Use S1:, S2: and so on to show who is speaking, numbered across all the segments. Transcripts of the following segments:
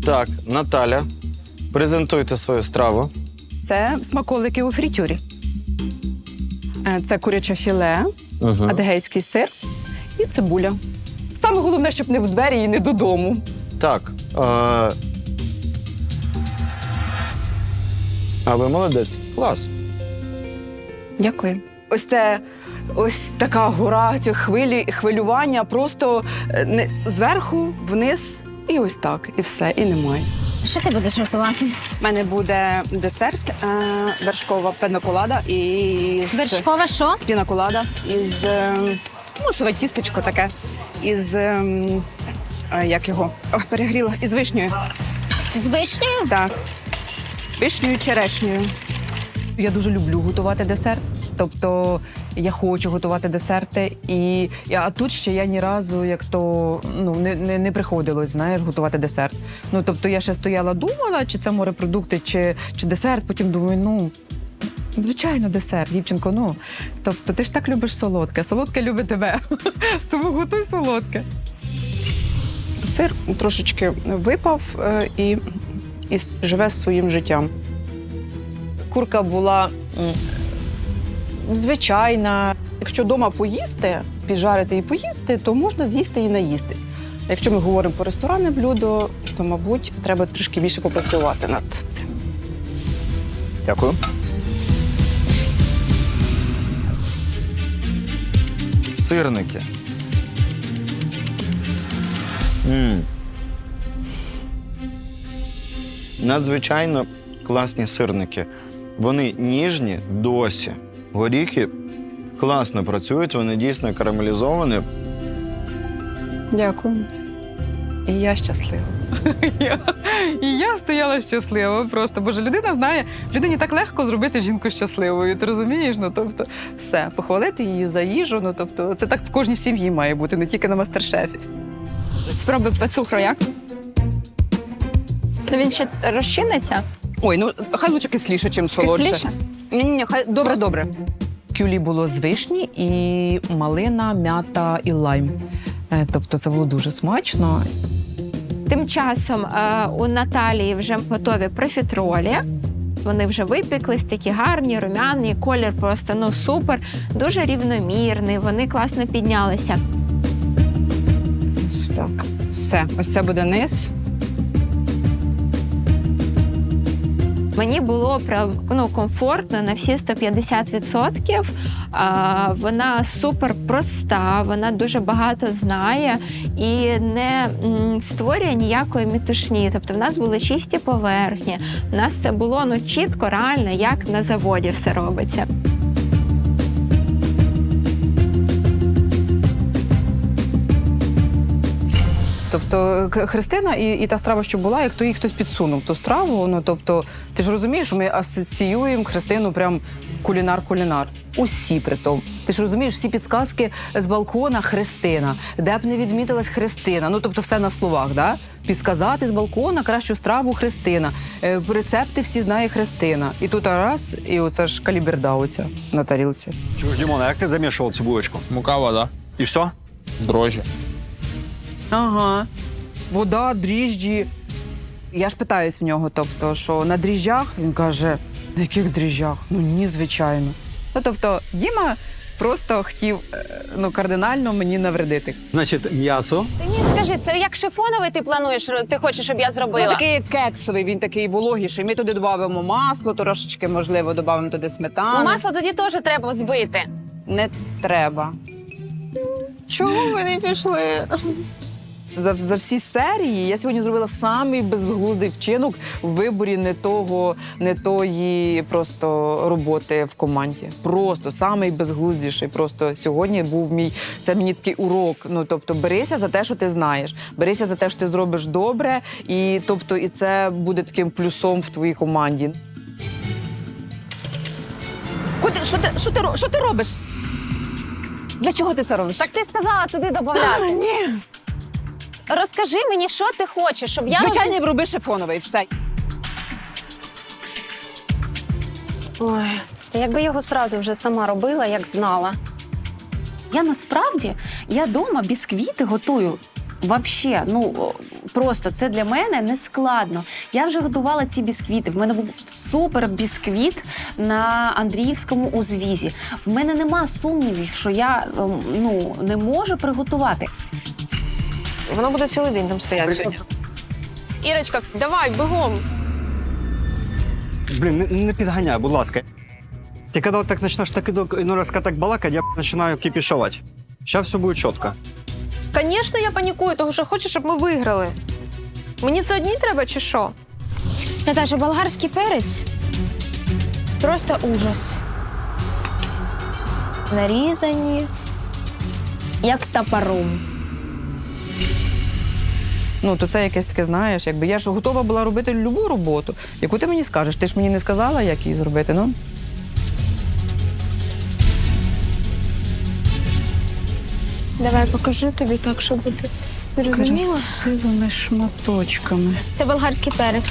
S1: Так, Наталя, презентуйте свою страву.
S2: Це смаколики у фритюрі. Це куряче філе, адегейський сир і цибуля. Саме головне, щоб не в двері і не додому.
S1: Так. А ви молодець. Клас.
S2: Дякую. Ось така гора, ці хвилювання, просто зверху, вниз, і ось так, і все, і немає.
S3: Що ти будеш готувати?
S2: У мене буде десерт, вершкова пінаколада із...
S3: Вершкова що?
S2: Пінаколада із... мусове тістечко таке. Із... як його? Ой, перегріла. Із вишнею.
S3: З вишнею?
S2: Так. Вишнею, черешнею. Я дуже люблю готувати десерт. Тобто я хочу готувати десерти, а тут ще я ні разу, як то, не приходилось, знаєш, готувати десерт. Тобто я ще стояла, думала, чи це морепродукти, чи десерт, потім думаю, звичайно, десерт, дівчинко, Тобто ти ж так любиш солодке, солодке любить тебе, тому готуй солодке. Сир трошечки випав і живе своїм життям. Курка була звичайна. Якщо вдома поїсти, піджарити і поїсти, то можна з'їсти і наїстись. А якщо ми говоримо про ресторанне блюдо, то, мабуть, треба трішки більше попрацювати над цим.
S4: Дякую.
S1: Сирники. Надзвичайно класні сирники. Вони ніжні досі. Горіхи класно працюють, вони дійсно карамелізовані.
S2: Дякую. І я щаслива. І я стояла щаслива просто. Боже, людина знає, людині так легко зробити жінку щасливою. Ти розумієш? Тобто, все, похвалити її за їжу. Тобто, це так в кожній сім'ї має бути, не тільки на мастер-шефі. Спробуй без цукру, як?
S3: Він ще розчиниться?
S2: Ой, хай лучше кисліше, чим солодше.
S3: Кисліше?
S2: Ні, хай добре. Кюлі було з вишні і малина, м'ята і лайм. Тобто це було дуже смачно.
S3: Тим часом у Наталії вже готові профітролі. Вони вже випіклись, такі гарні, румяні, колір просто супер, дуже рівномірний, вони класно піднялися.
S2: Так, все. Ось це буде низ.
S3: Мені було комфортно на всі 150%. Вона супер проста, вона дуже багато знає і не створює ніякої метушні. Тобто в нас були чисті поверхні, в нас це було чітко, реально, як на заводі все робиться.
S2: Тобто Христина і та страва, що була, як то їй хтось підсунув ту страву. Тобто, ти ж розумієш, що ми асоціюємо Христину прям кулінар-кулінар. Усі при тому. Ти ж розумієш, всі підсказки з балкона Христина. Де б не відмітилась Христина. Тобто все на словах, да? Підсказати з балкона кращу страву Христина. Рецепти всі знає Христина. І тут раз, і оце ж каліберда оця на тарілці.
S4: Чуєш, Дімон, а як ти замішував цю булочку?
S5: Мука, вода,
S4: І все?
S5: дрожжі.
S2: Ага. Вода, дріжджі. Я ж питаюсь в нього, тобто, що на дріжджах? Він каже, на яких дріжджах? Ні, звичайно. Тобто, Діма просто хотів, кардинально мені навредити.
S4: Значить, м'ясо.
S6: Ти мені скажи, це як шифоновий ти плануєш, ти хочеш, щоб я зробила?
S2: Такий кексовий, він такий вологіший. Ми туди додамо масло, трошечки, можливо, додамо туди сметану.
S6: Масло тоді теж треба збити.
S2: Не треба.
S6: Чому ви не пішли?
S2: За всі серії я сьогодні зробила самий безглуздий вчинок в виборі не тої просто роботи в команді. Просто самий безглуздіший. Просто сьогодні був це мені такий урок. Тобто берися за те, що ти знаєш. Берися за те, що ти зробиш добре, і це буде таким плюсом в твоїй команді. Що ти робиш? Для чого ти це робиш?
S6: Так ти сказала туди додати.
S2: Ні.
S6: Розкажи мені, що ти хочеш, щоб я
S2: Звичайно, роби шифоновий, все.
S6: Ой, та якби його зразу вже сама робила, як знала.
S7: Я насправді, дома бісквіти готую
S5: Вообще, просто це для мене не складно. Я вже готувала ці бісквіти. В мене був супер бісквіт на Андріївському узвізі. В мене нема сумнівів, що я не можу приготувати.
S7: Воно буде цілий день там стояти. Ірочка, давай, бігом.
S4: Блін, не підганяй, будь ласка. Ти коли так почнеш так іной раз так балакати, я починаю кипішувати. Зараз все буде чітко.
S7: Звісно, я панікую, тому що хочу, щоб ми виграли. Мені це одній треба чи що?
S6: Наташа, болгарський перець просто ужас. Нарізані, як топором.
S2: То це якесь таке, знаєш, якби я ж готова була робити любу роботу, яку ти мені скажеш. Ти ж мені не сказала, як її зробити,
S6: Давай покажу тобі так, щоб ти розуміла.
S2: Красивими шматочками.
S6: Це болгарський перець.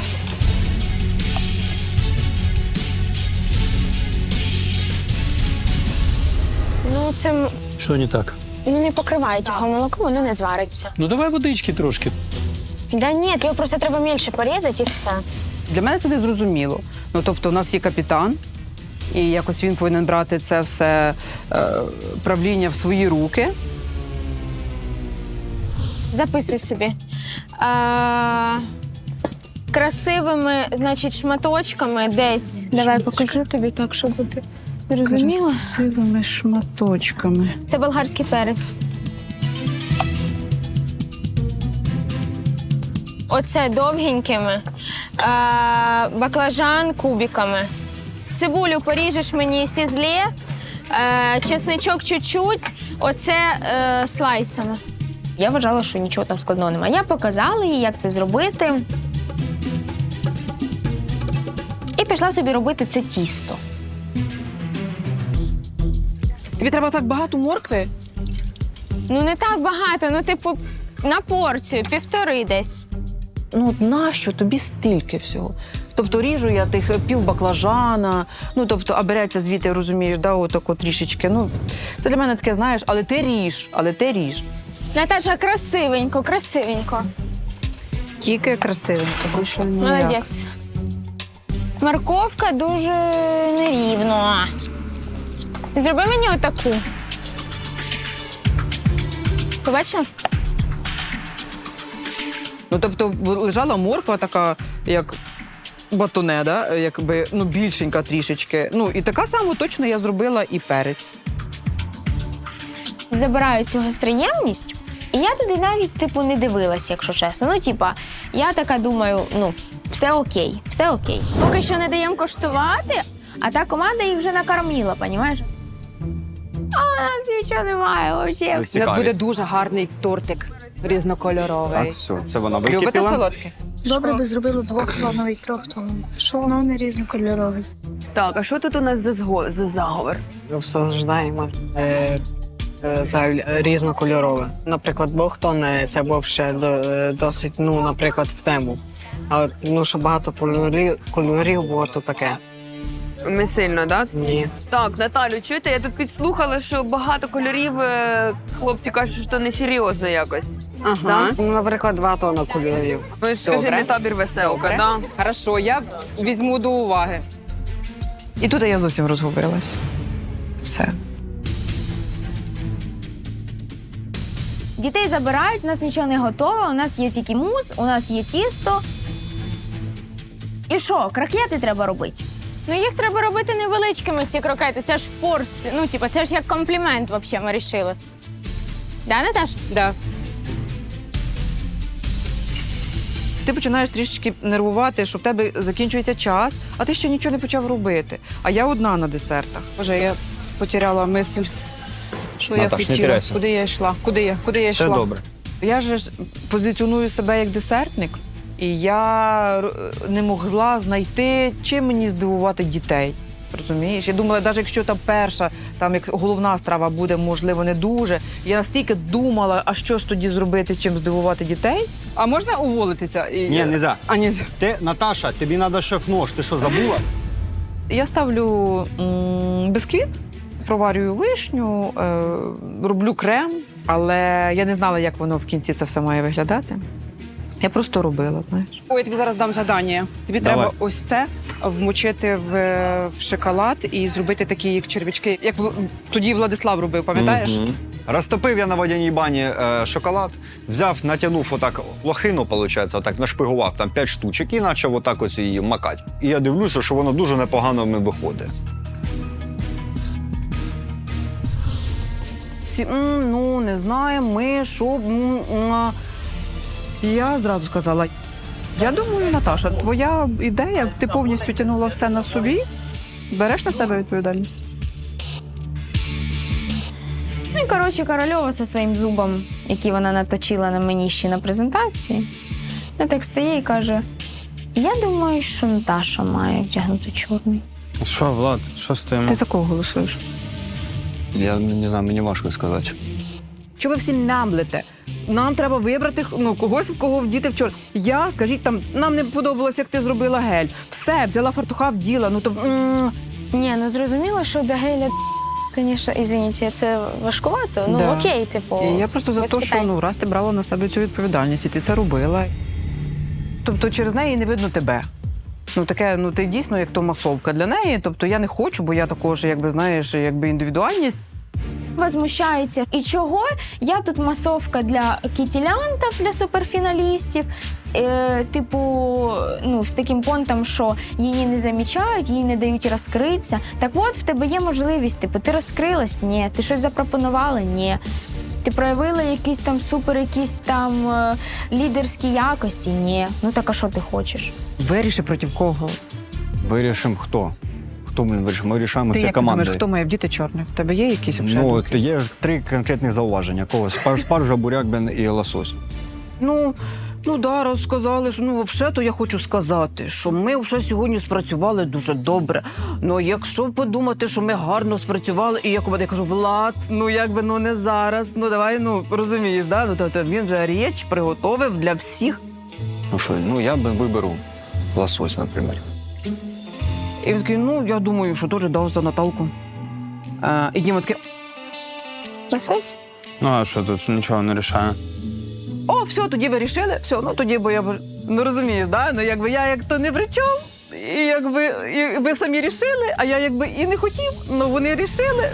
S6: Це
S8: Що не так?
S6: не покривають його молоко, воно не звариться.
S8: Ну давай водички трошки.
S6: Да ні, його просто треба мільше порізати і все.
S2: Для мене це не зрозуміло. Тобто у нас є капітан, і якось він повинен брати це все правління в свої руки.
S6: Записуй собі. Красивими, значить, шматочками десь. Давай покажу тобі так, щоб ти розуміла.
S2: Красивими шматочками.
S6: Це болгарський перець. Оце довгенькими. Баклажан кубиками. Цибулю поріжеш мені сізле, чесничок чуть-чуть, оце слайсами. Я вважала, що нічого там складного немає. Я показала їй, як це зробити. І пішла собі робити це тісто.
S2: Тобі треба так багато моркви?
S6: Не так багато, типу, на порцію, 1,5 десь.
S2: Нащо тобі стільки всього? Тобто ріжу я тих пів баклажана, а береться звідти, розумієш, отако трішечки. Це для мене таке, знаєш, але ти ріж.
S6: Наташа, красивенько, красивенько.
S2: Тільки красивенько, більше ніяк.
S6: Молодець. Морковка дуже нерівно. Зроби мені отаку. Побачила?
S2: Тобто лежала морква така, як батоне, да? Якби, більшенька трішечки. І така сама точно я зробила і перець.
S6: Забираю цю гостроємність, і я туди навіть, не дивилась, якщо чесно. Я така думаю, все окей, все окей. Поки що не даємо коштувати, а та команда їх вже накормила, понімаєш? А у нас нічого немає взагалі.
S2: У нас буде дуже гарний тортик різнокольоровий.
S4: Так, все, це вона
S2: Любите
S4: википіла.
S2: солодке?
S9: Добре би зробили 2-тоновий, 3-тоновий. Що воно не різнокольоровий?
S7: Так, а що тут у нас за заговор?
S10: Обсуждаємо різнокольорове. Наприклад, двохтон це був ще досить, наприклад, в тему. А що багато кольорів було, то таке.
S7: Не сильно, так?
S10: Ні.
S7: Так, Наталю, чуєте, я тут підслухала, що багато кольорів, хлопці кажуть, що несерйозно якось.
S10: Ага. Наприклад, 2 тонни кольорів.
S7: Ви ж скажи, не табір веселка, да?
S2: Хорошо, я візьму до уваги. І тут я зовсім розгубилась. Все.
S6: Дітей забирають, у нас нічого не готово, у нас є тільки мус, у нас є тісто. І що, крокети треба робити? Їх треба робити невеличкими, ці крокети. Це ж в порцію. Це ж як комплімент, взагалі, ми вирішили. Да, Наташ?
S2: Да. Ти починаєш трішечки нервувати, що в тебе закінчується час, а ти ще нічого не почав робити. А я одна на десертах. Боже, я потеряла мисль, що я
S1: Наташ, не
S2: хотіла.
S1: теряйся.
S2: Куди я йшла? Куди я
S1: Все
S2: йшла?
S1: добре.
S2: Я ж позиціоную себе як десертник, і я не могла знайти, чим мені здивувати дітей. Розумієш? Я думала, навіть якщо там перша, як головна страва буде, можливо, не дуже. Я настільки думала, а що ж тоді зробити, чим здивувати дітей? А можна уволитися?
S4: Ні, нельзя.
S2: А, нельзя.
S4: Наташа, тобі треба шеф-нож, ти що, забула?
S2: Я ставлю бісквіт, проварюю вишню, роблю крем Але я не знала, як воно в кінці це все має виглядати. Я просто робила, знаєш.
S11: Ой, я тобі зараз дам завдання. Тобі
S4: Давай.
S11: треба ось це вмочити в шоколад і зробити такі, як червячки, як тоді Владислав робив, пам'ятаєш?
S4: Розтопив я на водяній бані шоколад, взяв, натягнув отак лохину, виходить, отак нашпигував там 5 штучок і почав отак ось її макати. І я дивлюся, що воно дуже непогано в мене виходить.
S2: Всі, ну, не знаємо, ми, що. Я зразу сказала, я думаю, Наташа, твоя ідея, ти повністю тягнула все на собі, береш на себе відповідальність?
S6: Ну і коротше, Корольова зі своїм зубом, який вона наточила на мені ще на презентації, вона так стає і каже: я думаю, що Наташа має вдягнути чорний.
S1: Що, Влад, що з тим?
S2: Ти за кого голосуєш?
S1: Я не знаю, мені важко сказати.
S2: Що ви всі мямлите? Нам треба вибрати когось, в кого вдіти вчора. Я, скажіть, там, нам не подобалось, як ти зробила гель. Все, взяла фартуха, вділа.
S6: Ні, ну зрозуміло, що до геля, звісно, извините, це важкувато. Ну
S2: Да.
S6: окей, типу.
S2: І я просто за
S6: без
S2: те, що
S6: питань.
S2: раз ти брала на себе цю відповідальність, і ти це робила. Тобто через неї не видно тебе. Таке, ти дійсно як то масовка для неї. Тобто я не хочу, бо я також, знаєш, індивідуальність.
S6: Возмущається. І чого? Я тут масовка для кітілянтів, для суперфіналістів. З таким понтом, що її не замічають, їй не дають розкритися. Так от, в тебе є можливість. Ти розкрилась? Ні. Ти щось запропонувала? Ні. Ти проявила якісь там лідерські якості? Ні. Ну так а що ти хочеш?
S2: Виріши проти кого.
S4: Вирішимо хто. Хто ми вирішимо? Ми рішаємо
S2: Ти
S4: всі
S2: як ти
S4: команди.
S2: думаєш, хто має вдіти чорне? В тебе є якісь
S4: Ну,
S2: думки?
S4: от є 3 конкретні зауваження. Когось спаржа, буряк, і лосось.
S2: Раз сказали, що взагалі-то я хочу сказати, що ми вже сьогодні спрацювали дуже добре. Ну, якщо подумати, що ми гарно спрацювали, і я кажу, Влад, не зараз, давай, розумієш, да? Тобто він же річ приготовив для всіх.
S4: Ну що, я виберу лосось, наприклад.
S2: І він такий, я думаю, що теж дав за Наталку. І Діма такий,
S6: Лосось?
S1: Ну, а що тут нічого не рішає?
S2: о, все, тоді ви рішили, все, тоді, бо я, розумієш, да? Я як то не при чому, і ви самі рішили, а я і не хотів, вони рішили.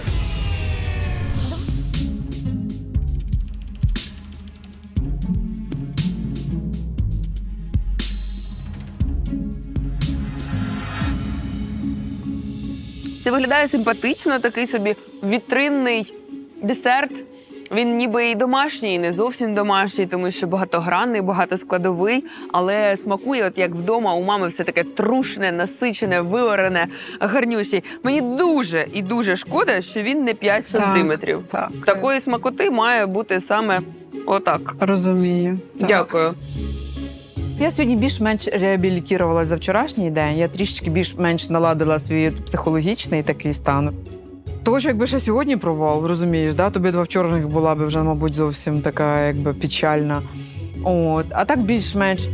S7: Це виглядає симпатично, такий собі вітринний десерт. Він ніби і домашній, і не зовсім домашній, тому що багатогранний, багатоскладовий, але смакує, от як вдома у мами все таке трушне, насичене, виварене, гарнющий. Мені дуже і дуже шкода, що він не 5 сантиметрів.
S2: Так.
S7: Такої смакоти має бути саме отак.
S2: Розумію.
S7: Дякую.
S2: Я сьогодні більш-менш реабілітувалася за вчорашній день. Я трішки більш-менш наладила свій психологічний такий стан. Того, що якби ще сьогодні провал, розумієш, да? Тобі 2 вчорашніх була б вже, мабуть, зовсім така печальна. А так більш-менш.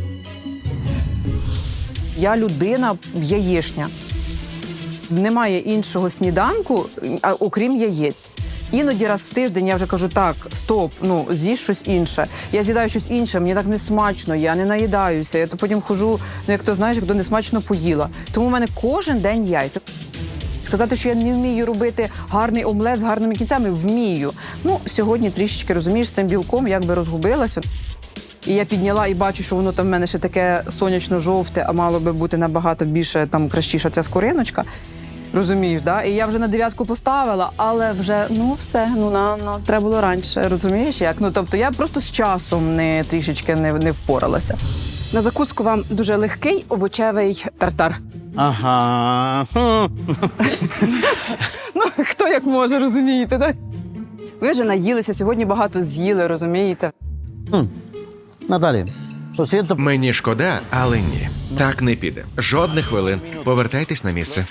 S2: Я людина яєчня. Немає іншого сніданку, окрім яєць. Іноді раз в тиждень я вже кажу, так, стоп, з'їж щось інше. Я з'їдаю щось інше, мені так не смачно, я не наїдаюся. Я то потім хожу, як то не смачно поїла. Тому в мене кожен день яйця. Сказати, що я не вмію робити гарний омлет з гарними кінцями, вмію. Сьогодні трішечки, розумієш, з цим білком розгубилася. І я підняла і бачу, що воно там в мене ще таке сонячно-жовте, а мало би бути набагато більше, кращіша ця скориночка. Розумієш, да? І я вже на 9 поставила, але вже, все, треба було раніше, розумієш як? Тобто я просто з часом трішечки не впоралася. На закуску вам дуже легкий овочевий тартар.
S8: Ага.
S2: Хто як може, розумієте, так? Ви вже наїлися, сьогодні багато з'їли, розумієте?
S8: Наталі,
S12: Мені шкода, але ні. Так не піде. Жодних хвилин. Повертайтесь на місце.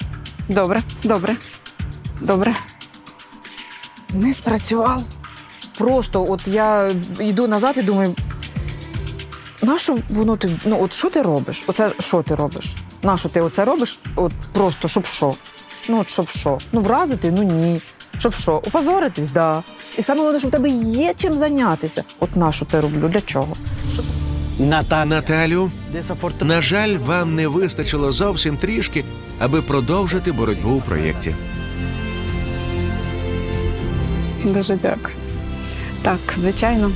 S2: Добре. Не спрацював. Просто я йду назад і думаю, нащо воно тобі, що ти робиш? Оце що ти робиш? Нащо ти оце робиш? Просто, щоб що? Щоб що? Вразити? Ні. Щоб що? Опозоритись? Да. І саме головне, що в тебе є чим зайнятися. От нащо це роблю? Для чого?
S12: Наталю, на жаль, вам не вистачило зовсім трішки, аби продовжити боротьбу у проєкті.
S11: Дуже дякую. Так, звичайно.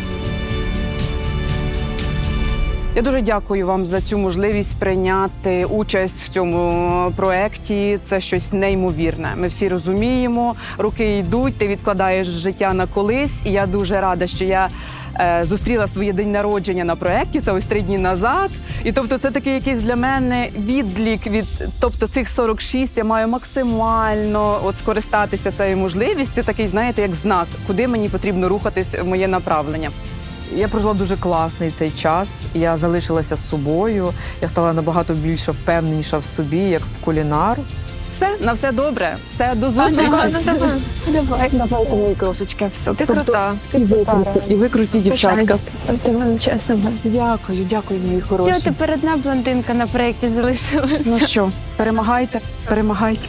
S11: Я дуже дякую вам за цю можливість прийняти участь в цьому проєкті. Це щось неймовірне. Ми всі розуміємо, роки йдуть, ти відкладаєш життя на колись. І я дуже рада, що я зустріла своє день народження на проєкті, це ось 3 дні назад. І тобто це такий якийсь для мене відлік від, тобто цих 46 я маю максимально от скористатися цією можливістю, такий, знаєте, як знак, куди мені потрібно рухатись в моє направлення. Я прожила дуже класний цей час, я залишилася з собою, я стала набагато більше впевненіша в собі, як в кулінар. Все, на все добре, все, до зустрічі.
S9: Давай, мої кросочки, все.
S6: Ти крута.
S11: І ви круті дівчатка.
S9: Ти мене чесно.
S11: Дякую, мої хороші.
S6: Все, тепер одна блондинка на проєкті залишилася.
S11: Ну що, перемагайте, перемагайте.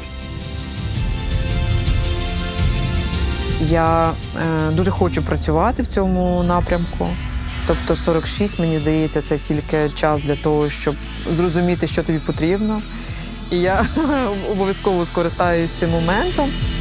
S11: Я дуже хочу працювати в цьому напрямку. Тобто 46, мені здається, це тільки час для того, щоб зрозуміти, що тобі потрібно. І я обов'язково скористаюсь цим моментом.